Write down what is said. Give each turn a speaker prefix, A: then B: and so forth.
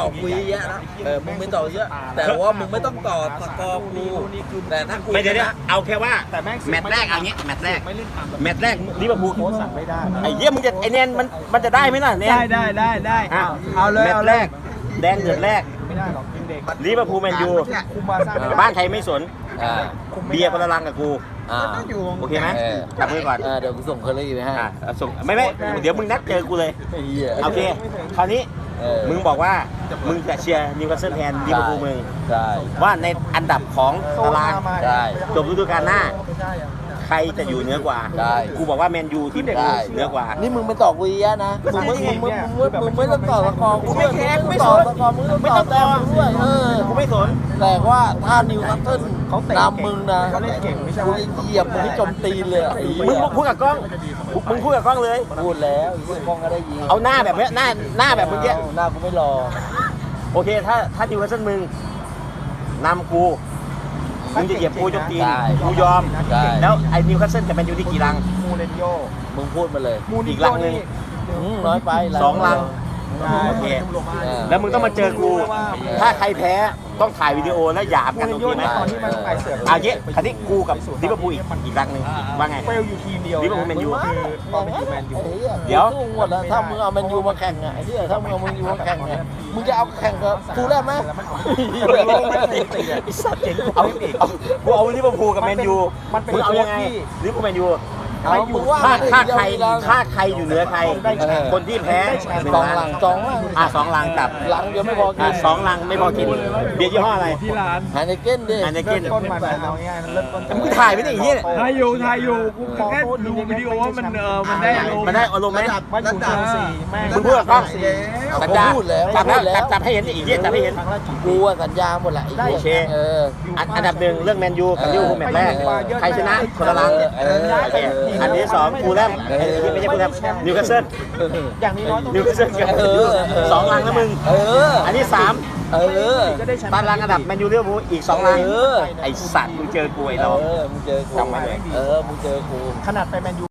A: อบกูเยอะนะมึงไม่ต่อเยอะแต่ว่ามึงไม่ต้องต่อสกอร์กูแต่ถ้ากู
B: ไม่เดี๋ยว
A: ชนะ
B: เอาแค่ว่า
C: แต่แม่ง
B: แมตช์แรกเอางี้แมตช์แรก
C: ไม่เล่นตาม
B: แมตช์แรกลิเวอร์พูล
C: โค้ชสั่งไม่ได้
B: ไอ้เหี้ยมึงจะไอ้แนนมันจะได้ไหมล่ะแนน
C: ได้
B: อ่ะ
C: เอาเลย
B: แมต
C: เอา
B: ช์
C: เล
B: แร
C: ย
B: กแดงเดือดแรก
C: ไม่ได้หรอกเด็ก
B: ลิเวอร์พูลแมนยู
C: คุมมาสร้าง
B: บ้านใครไม่สน
A: อ่า
B: เบียร์คนละลังกับกู
A: อ่า
B: โอเคไหมจับมือก่อน
A: เดี๋ยวกูส่งเคอรี่ไปให้
B: ส่งไม่เดี๋ยวมึงนัดเจอกูเลย
A: ไอ้เหี้ย
B: โอเคคราวนี้ มึงบอกว่ามึงจะเชียร์นิวคาสเซิลแทนลิเวอร์พูลมึง
A: ใช่
B: ว่าในอันดับของตาราง
A: ใช่
B: จบฤดูกาลหน้า ใครจะอยู่เหนือกว่า
A: ได้
B: กูบอกว่าแมนยูทีม
A: ได้
B: เหนือกว่า
A: นี่มึงไปต่อกูเยอะนะมึงไม่ต้องต่อสกอร์กูไม่แคร์ไม่ต่อสกอร์มึงไม่ต้องต่อด้วย
B: กูไม่สน
A: แต่ว่าถ้านิวคาสเซิล
C: เขาเตะ
A: นำมึงนะ
C: เขาเล่นเก่งไม่ใช่
A: กูจะเหยียบมึงให้จมตีนเลยไอ้
B: มึ
A: เหี้
B: ง
A: ย
B: พูดกับกล้องมึงพูดกับกล้องเลย
A: พูดแล้วไอ้เหี้ยกล้องก็ได้ยิน
B: เอาหน้าแบบเนี้ยหน้าแบบเมื่อกี้
A: หน้ากูไม่รอ
B: โอเคถ้านิวคาสเซิลมึงนำกูมึงจะเหยียบกูจนตีน
A: ได้
B: กูยอม
A: ได้
B: แล้วไอ้นิวคาสเซิลกับแมนยูที่กี่ลัง
C: มูเรนโญ่
A: มึงพูดมาเลย
C: มูริ
B: อี
C: น
B: กลั
C: โญ่
B: งหนึ่ง
A: น้อยไป
B: สองลัง โอเค แล้วมึงต้องมาเจอกู ถ้าใครแพ้ต้องถ่ายวิดีโอแล้วหยาบ
C: มู
B: กัน
C: ริ
B: โอน เค
C: โญ่
B: ไหม
C: ตอนที่มันไอเสือก
B: เอาเยอะคราวนี้กูกับลิเวอร์พูลอีกลังหนึ่งว่าไง
C: เฟลอยู่ทีมเดียว
B: ลิเวอร์พูลแมนยู
C: คือตอนเป็นแมนยู
B: เดี๋ยว
A: สู้หมดแล้วถ้ามึงเอาแมนยูมาแข่งอ่ะไอ้เหี้ยถ้ามึงเอาแมนยูมาแข่งเนี่ยมึงจะเอาแข่งกับกูได้ไหม
B: ไอ้สัตว์เจ๋งกูเอาลิเวอร์พูลกับแมนยู
C: มันเป็น
B: มึงเอายังไง
C: โค้ชที่
B: ลิเวอร์พูลแมนยู
A: เอามึงว่า
B: ถ้าใครอยู่เหนือใคร คนที่แพ้
A: สองหลังสองหลัง
B: สองลังกับ
A: หลังเดียวไม่พอกิน
B: สองลังไม่พอกินเบียร์ยี่ห้ออะไร
C: ที่ร้าน
A: หาในเก้นดิ
B: อันนี้กิน
C: ต้นมันเอาง่ายๆมันเริ่มต้น
B: มึงถ่ายไม่ได้อีกเนี่ย
D: ถ่ายอยู่กูแค่ดูวิดีโอว่ามันมันได้อารมณ์
B: มันได้อารมณ์ไหม
C: มันอยู่ทีมสี่แม่ง
B: มึงพูดกับกล้อง สัญญา
A: พูดแล้ว
B: จับ
A: พูดแล้ว
B: จับให้เห็นอีกเนี่ยจับให้เห็น
C: ครั้งละกี่
A: กูอะสัญญาหมดแหละไอ้หี้ย
B: โอเค อันดับหนึ่งเรื่องแมนยูกับลิเวอร์พูลแมตช์แรกใครชนะคนละลังโอเคอันที่สองฟูลแลมไม่ใช่ฟูลแลมนิวคาสเซิล
C: อย่างนี้น้อยต้อง
B: นิวคาสเซิลกับสองลังแล้วมึง อันที่สาม
C: ก็ได้แชมป์
B: ตารางอันดับแมนยูลิเวอร์พูลอีกสองลังไอสัตว์มึงเจอกูไอ้เรา
A: มึงเจอกู
B: จำไว้เลย
A: มึงเจอกู
C: ขนาดไปแมนยู